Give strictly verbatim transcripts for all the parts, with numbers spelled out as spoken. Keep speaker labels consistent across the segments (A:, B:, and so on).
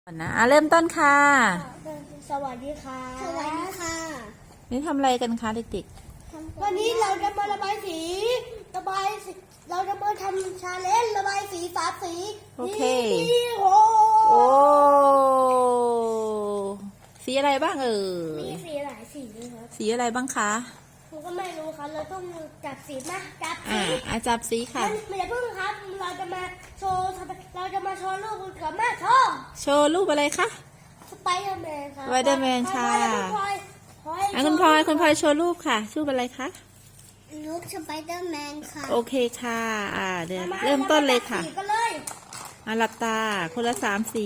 A: ก่อนนะอ่ะเริ่มต้นค่ะ
B: สวัสดีค่ะสวัสดีค่ะ
A: นี่ทำอะไรกันคะเด็ก
B: วันนี้เราจะมาระบายสีระบายสีเราจะมาทำชาเลนจ์ระบายสีสามสี
A: ๆโอเค
B: นี่โห
A: โอ้สีอะไรบ้างเอ่
B: มี
A: ย
B: สีหลายสีเลยครับ
A: สีอะไรบ้างคะ
B: ผมก็ไม่รู้ครับเราต้องจับสีมาจับ
A: อ่า
B: สี
A: อาจับสีค่ะ
B: มันไม่ได้เพิ่งครับเราจะมาโชว์เราจะมาโชว์รูปกับแม่โชว์
A: โชว์รูปอะไรคะ
B: สไปเดอร์แมนค่ะ
A: สไปเดอร์แมนค่ะ
B: พลอยพลอย
A: อ่ะคุณพลอยคุณพลอยโชว์รูปค่ะรูปอะไรคะ
B: รูปสไปเดอร์แมนค่ะ
A: โอเคค่ะ อ่าเดี๋ยวเริ่มต้นเลยค่ะ
B: สีกันเลย
A: อ่ะหลับตาคนละสามสี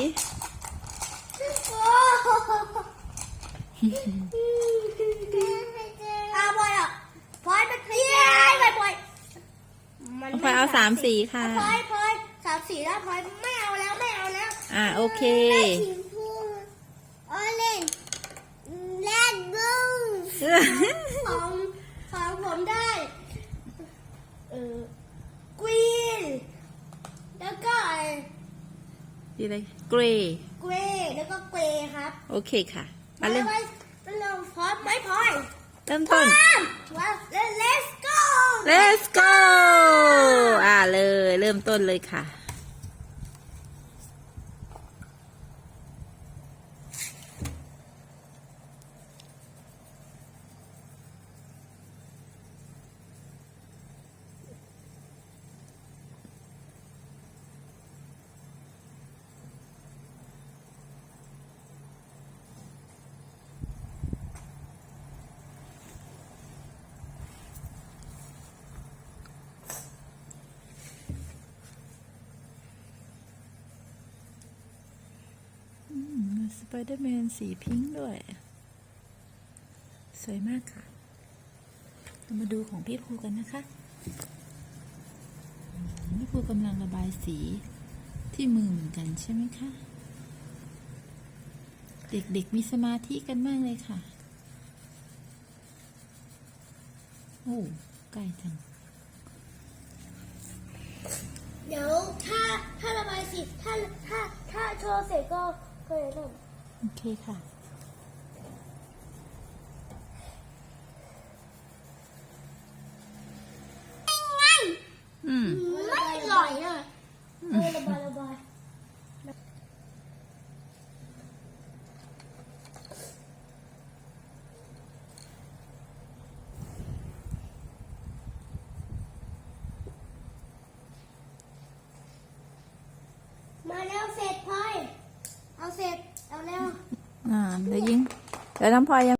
B: อาบอยอ่ะพลอยไปเที่ยวไปพลอย
A: พลอยเอาสามสีค่ะ
B: พลอยพลอยสามสีแล้วพลอยไม่เอาแล้วไม่เอาแล้ว
A: อ่าโอเค
B: สีพูออเรนจ์แรดบลูของของผมได้เออกรีนแล้วก็
A: สีอะไรเกรย์
B: เกรย์แล้วก็เกรย์ครับ
A: โอเคค่ะ
B: มา
A: มาเริ่ม
B: ไว้เราพร้อมไหมพลอย
A: เริ่มต้น
B: ว้าว let's go
A: Let's go อ่าเลยเริ่มต้นเลยค่ะ สไปเดอร์แมนสีพิงค์ด้วย สวยมากค่ะเรามาดูของพี่ภูกันนะคะพี่ภูกำลังระบายสีที่มือเหมือนกันใช่ไหมคะ เด็กๆมีสมาธิกันมากเลยค่ะ โอ้ใกล้จัง
B: เดี๋ยวถ้าถ้าระบายสีถ้าถ้าถ้าโชว์เสร็จก็ก็จะเริ่ม
A: โอเคค่ะ อืม
B: ไม่อร่อยอ่ะเออระบายระบายมาแล้วเสร็จพลอยเอาเสร็จเอาเร็ว
A: อ่าเดี๋ยวยิงเดี๋ยวน้ำพลอยยัง